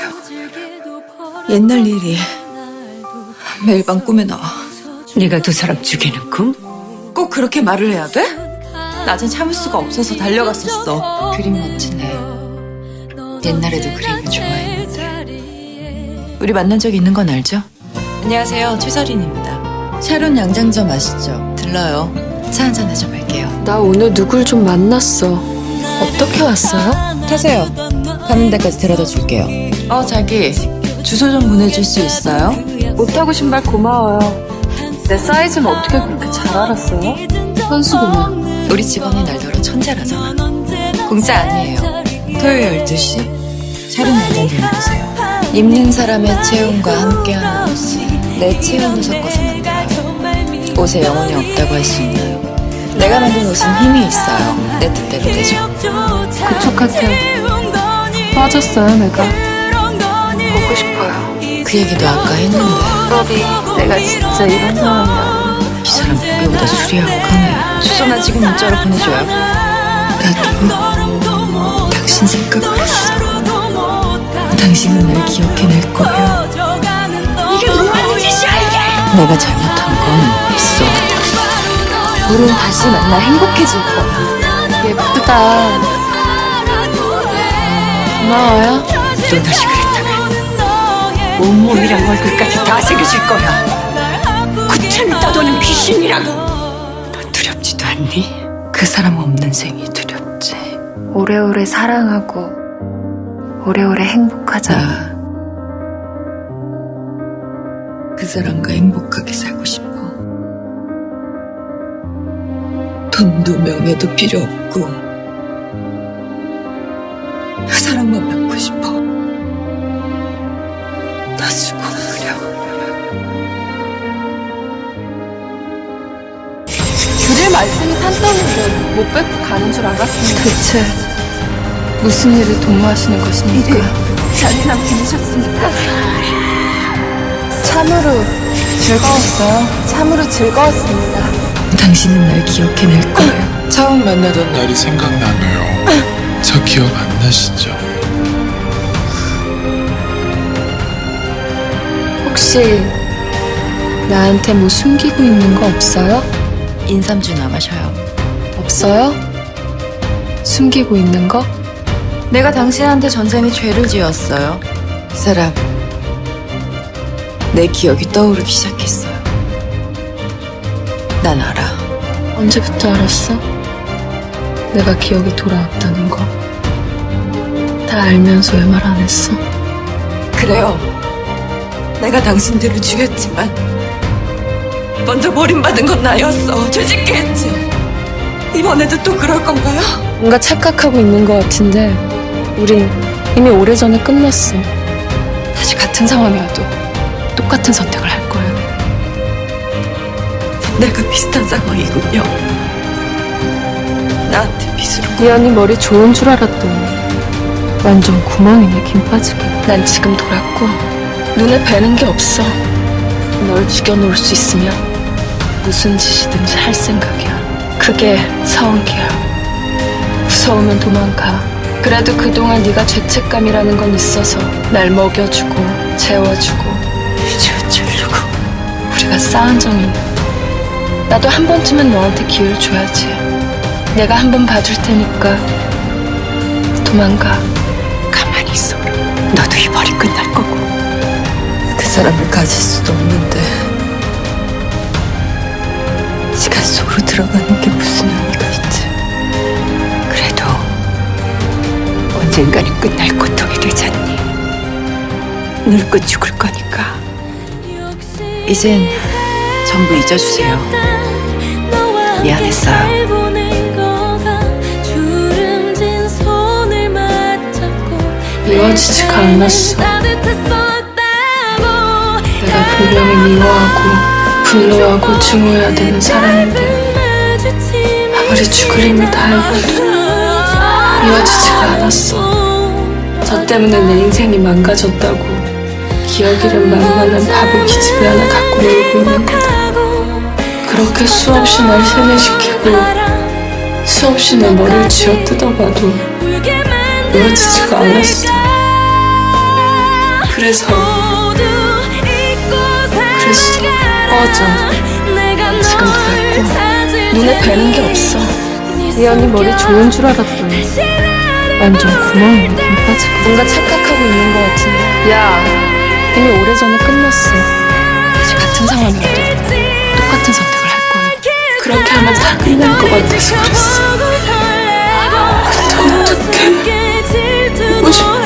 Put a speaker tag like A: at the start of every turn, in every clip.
A: 있어요. 옛날 일이 매일 밤 꿈에 나와.
B: 네가 두 사람 죽이는 꿈?
A: 꼭 그렇게 말을 해야 돼? 낮엔 참을 수가 없어서 달려갔었어. 그림 멋지네. 옛날에도 그림을 좋아했는데. 우리 만난 적 있는 건 알죠? 안녕하세요, 최설인입니다. 샤론 양장점 아시죠? 들러요. 차 한잔 해좀 할게요.
C: 나 오늘 누굴 좀 만났어. 어떻게 왔어요?
A: 타세요. 가는 데까지 데려다 줄게요. 자기. 주소 좀 보내줄 수 있어요?
C: 못하고 신발 고마워요. 내 사이즈는 어떻게 그렇게 잘 알았어요? 현수구만.
A: 우리 직원이 날더러 천재라잖아. 공짜 아니에요. 토요일 12시 샤론 양장점 보세요. 입는 사람의 체온과 함께하는 옷이 내 체온을 섞어서 만들어요. 옷에 영혼이 없다고 할 수 있나요? 내가 만든 옷은 힘이 있어요. 내 뜻대로 되죠.
C: 그쪽한테 빠졌어요, 내가. 보고 싶어요.
A: 그 얘기도 아까 했는데.
C: 러비, 내가 진짜 이런 사람이야.
A: 이 사람 보기보다 술이 약하네. 주소나 지금 문자로 보내줘요. 나도 당신 생각을 했어. 당신은 날 기억해낼 거예요.
B: 이게 뭐하는 짓이야 이게!
A: 내가 잘못한 건 없어.
C: 우린 다시 만나 행복해질 거야. 예쁘다. 고마워요.
B: 또 다시 그랬다면 온몸이랑 얼굴까지 다 새겨질 거야. 구천을 떠도는 귀신이랑. 넌 두렵지도 않니? 그 사람 없는 생이 두렵지.
C: 오래오래 사랑하고 오래오래 행복하자.
A: 나 그 사람과 행복하게 살고 싶어. 돈도 명예도 필요 없고 사랑만 받고 싶어. 나 죽어버려.
C: 줄일 말씀이 산더미인데 못 뺏고 가는 줄 알았습니다. 대체 무슨 일을 도모하시는 것입니까? 잔인한 분이셨습니까? 참으로 즐거웠어요. 참으로 즐거웠습니다.
A: 당신은 날 기억해낼 거예요. 처음 만나던 날
D: 날이 생각나네요. 저 기억 안 나시죠?
C: 혹시 나한테 뭐 숨기고 있는 거 없어요?
A: 인삼주 남아셔요.
C: 없어요? 숨기고 있는 거?
A: 내가 당신한테 전생에 죄를 지었어요. 그 사람 내 기억이 떠오르기 시작했어요. 난 알아.
C: 언제부터 알았어? 내가 기억이 돌아왔다는 거. 다 알면서 왜 말 안 했어?
A: 그래요. 내가 당신들을 죽였지만 먼저 버림받은 건 나였어. 죄짓게 했지. 이번에도 또 그럴 건가요?
C: 뭔가 착각하고 있는 것 같은데 우린 이미 오래전에 끝났어. 다시 같은 상황이어도 똑같은 선택을 할 거예요.
A: 내가 비슷한 상황이군요. 나한테 빚으로.
C: 이 언니 머리 좋은 줄 알았더니 완전 구멍이네, 김 빠지게. 난 지금 돌았고 눈에 뵈는 게 없어. 널 죽여놓을 수 있으면 무슨 짓이든지 할 생각이야. 그게 서운기야. 무서우면 도망가. 그래도 그동안 네가 죄책감이라는 건 있어서 날 먹여주고 재워주고
A: 죄주려고.
C: 우리가 쌓은 정이 있는데 나도 한 번쯤은 너한테 기회를 줘야지. 내가 한 번 봐줄 테니까 도망가.
B: 가만히 있어라. 너도 이 벌이 끝날 거고.
A: 그 사람을 가질 수도 없는데 시간 속으로 들어가는 게 무슨 의미가 있지?
B: 그래도 언젠가는 끝날 고통이 되잖니. 늙고 죽을 거니까.
A: 이젠 전부 잊어주세요. 미안했어요.
C: 미워지지가 않았어. 내가 분명히 미워하고 분노하고 증오해야 되는 사람인데 아무리 죽을 힘을 다해봐도 미워지지가 않았어. 저 때문에 내 인생이 망가졌다고 기억 잃은 만만한 바보 기집애 하나 갖고 놀고 있는 거다. 그렇게 수없이 날 세뇌시키고 수없이 내 머리를 쥐어뜯어봐도 미워지지가 않았어. 그래서 그랬어. 꺼져. 지금 됐고 눈에 뵈는 게 없어. 이 언니 머리 좋은 줄 알았더니 완전 구멍에 김 빠지고 뭔가 착각하고 있는 것 같은데. 야, 이미 오래전에 끝났어. 다시 같은 상황이어도 똑같은 선택을 할 거야. 그렇게 하면 다 끝날 것 같아서 그랬어. 근데 어떡해. 보고 싶어.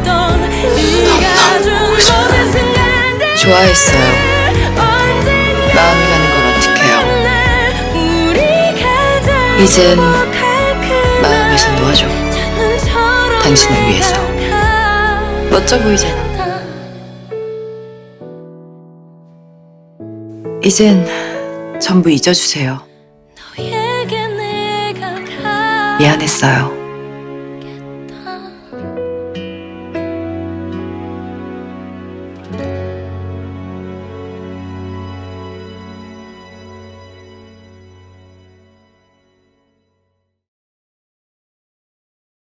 C: 너무 보고 싶어.
A: 좋아했어요. 마음이 가는 걸 어떡해요. 이젠 마음에서 놓아줘. 당신을 위해서. 멋져 보이잖아. 이젠 전부 잊어주세요. 미안했어요.